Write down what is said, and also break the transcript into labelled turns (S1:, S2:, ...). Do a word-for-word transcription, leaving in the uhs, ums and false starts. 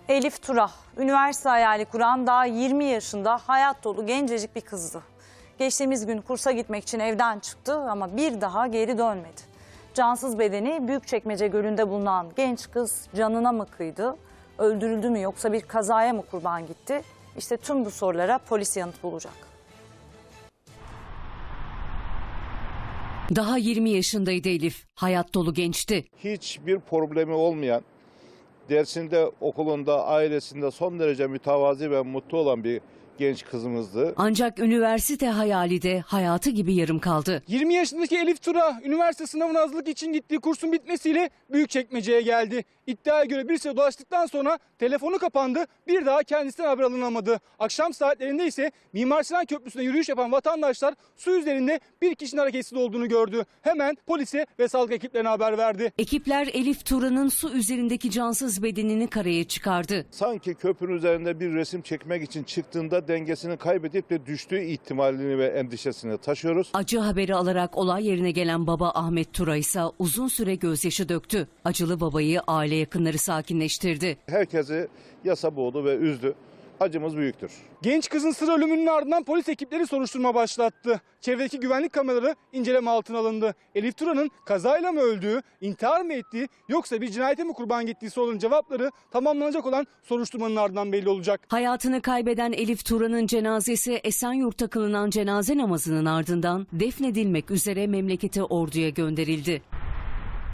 S1: Elif Tura, üniversite hayali kuran daha yirmi yaşında hayat dolu gencecik bir kızdı. Geçtiğimiz gün kursa gitmek için evden çıktı ama bir daha geri dönmedi. Cansız bedeni Büyükçekmece Gölü'nde bulunan genç kız canına mı kıydı, öldürüldü mü yoksa bir kazaya mı kurban gitti? İşte tüm bu sorulara polis yanıt bulacak.
S2: Daha yirmi yaşındaydı Elif. Hayat dolu gençti.
S3: Hiçbir problemi olmayan, dersinde, okulunda, ailesinde son derece mütevazi ve mutlu olan bir genç kızımızdı.
S2: Ancak üniversite hayali de hayatı gibi yarım kaldı.
S4: yirmi yaşındaki Elif Tura, üniversite sınavına hazırlık için gittiği kursun bitmesiyle Büyükçekmece'ye geldi. İddiaya göre bir süre dolaştıktan sonra telefonu kapandı, bir daha kendisinden haber alınamadı. Akşam saatlerinde ise Mimar Sinan Köprüsü'nde yürüyüş yapan vatandaşlar su üzerinde bir kişinin hareketsiz olduğunu gördü. Hemen polise ve sağlık ekiplerine haber verdi.
S2: Ekipler Elif Tura'nın su üzerindeki cansız bedenini karaya çıkardı.
S3: Sanki köprünün üzerinde bir resim çekmek için çıktığında dengesini kaybedip de düştüğü ihtimalini ve endişesini taşıyoruz.
S2: Acı haberi alarak olay yerine gelen baba Ahmet Tura ise uzun süre gözyaşı döktü. Acılı babayı aile yakınları sakinleştirdi.
S3: Herkesi yasa boğdu ve üzdü. Acımız büyüktür.
S4: Genç kızın sır ölümünün ardından polis ekipleri soruşturma başlattı. Çevredeki güvenlik kameraları inceleme altına alındı. Elif Tura'nın kazayla mı öldüğü, intihar mı ettiği yoksa bir cinayete mi kurban gittiği sorunun cevapları tamamlanacak olan soruşturmanın ardından belli olacak.
S2: Hayatını kaybeden Elif Tura'nın cenazesi Esenyurt'ta kılınan cenaze namazının ardından defnedilmek üzere memlekete Ordu'ya gönderildi.